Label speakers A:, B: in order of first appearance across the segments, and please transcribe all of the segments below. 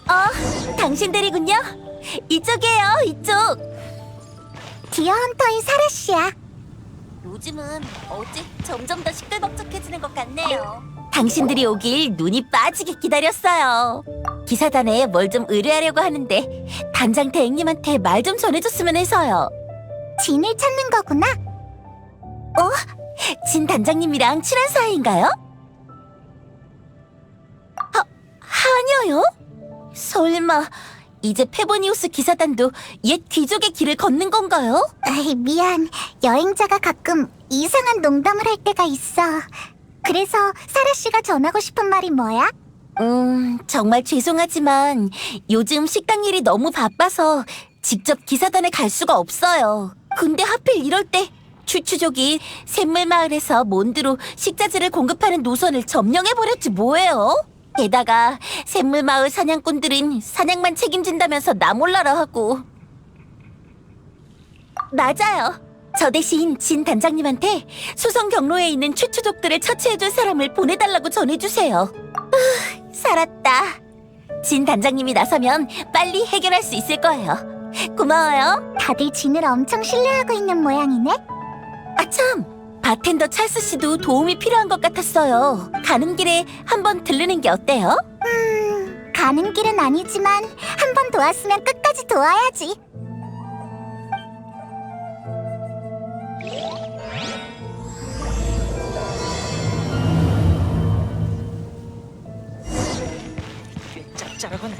A: 당신들이군요. 이쪽이에요, 이쪽.
B: 디어 헌터의 사라 씨야.
A: 요즘은 어째 점점 더 시끌벅적해지는 것 같네요. 당신들이 오길 눈이 빠지게 기다렸어요. 기사단에 뭘 좀 의뢰하려고 하는데 단장 대행님한테 말 좀 전해줬으면 해서요.
B: 진을 찾는 거구나.
A: 진 단장님이랑 친한 사이인가요? 아니요. 설마 이제 페보니우스 기사단도 옛 귀족의 길을 걷는 건가요?
B: 에이, 미안. 여행자가 가끔 이상한 농담을 할 때가 있어. 그래서 사라 씨가 전하고 싶은 말이 뭐야?
A: 정말 죄송하지만 요즘 식당 일이 너무 바빠서 직접 기사단에 갈 수가 없어요. 근데 하필 이럴 때 추추족이 샘물마을에서 몬드로 식자재를 공급하는 노선을 점령해버렸지 뭐예요? 게다가 샘물마을 사냥꾼들은 사냥만 책임진다면서 나 몰라라 하고. 맞아요. 저 대신 진 단장님한테 수성 경로에 있는 추추족들을 처치해줄 사람을 보내달라고 전해주세요. 살았다. 진 단장님이 나서면 빨리 해결할 수 있을 거예요. 고마워요.
B: 다들 진을 엄청 신뢰하고 있는 모양이네.
A: 아참, 바텐더 찰스 씨도 도움이 필요한 것 같았어요. 가는 길에 한번 들르는 게 어때요?
B: 가는 길은 아니지만 한 번 도왔으면 끝까지 도와야지.
C: 꽤 짭짤하군.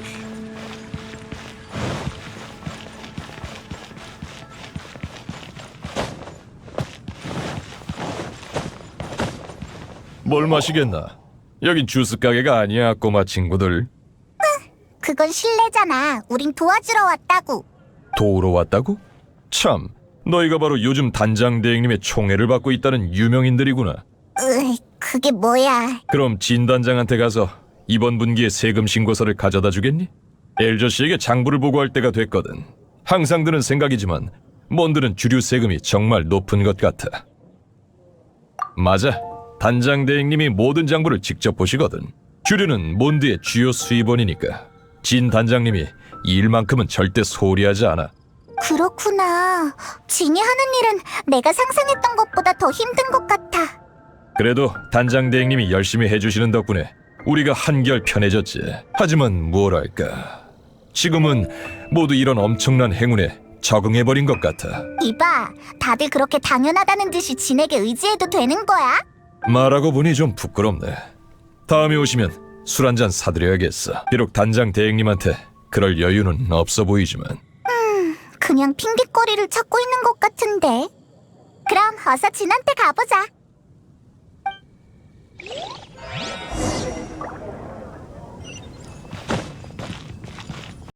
D: 뭘 마시겠나? 여긴 주스 가게가 아니야, 꼬마 친구들.
B: 그건 실례잖아. 우린 도와주러 왔다고.
D: 도우러 왔다고? 참, 너희가 바로 요즘 단장 대행님의 총애를 받고 있다는 유명인들이구나.
B: 그게 뭐야?
D: 그럼 진 단장한테 가서 이번 분기의 세금 신고서를 가져다 주겠니? 엘저 씨에게 장부를 보고할 때가 됐거든. 항상 드는 생각이지만 몬드는 주류 세금이 정말 높은 것 같아. 맞아. 단장 대행님이 모든 장부를 직접 보시거든. 주류는 몬드의 주요 수입원이니까 진 단장님이 이 일만큼은 절대 소홀히하지 않아.
B: 그렇구나. 진이 하는 일은 내가 상상했던 것보다 더 힘든 것 같아.
D: 그래도 단장 대행님이 열심히 해주시는 덕분에 우리가 한결 편해졌지. 하지만 뭐랄까, 지금은 모두 이런 엄청난 행운에 적응해버린 것 같아.
B: 이봐, 다들 그렇게 당연하다는 듯이 진에게 의지해도 되는 거야?
D: 말하고 보니 좀 부끄럽네. 다음에 오시면 술 한잔 사드려야겠어. 비록 단장 대행님한테 그럴 여유는 없어 보이지만.
B: 그냥 핑계거리를 찾고 있는 것 같은데. 그럼 어서 진한테 가보자.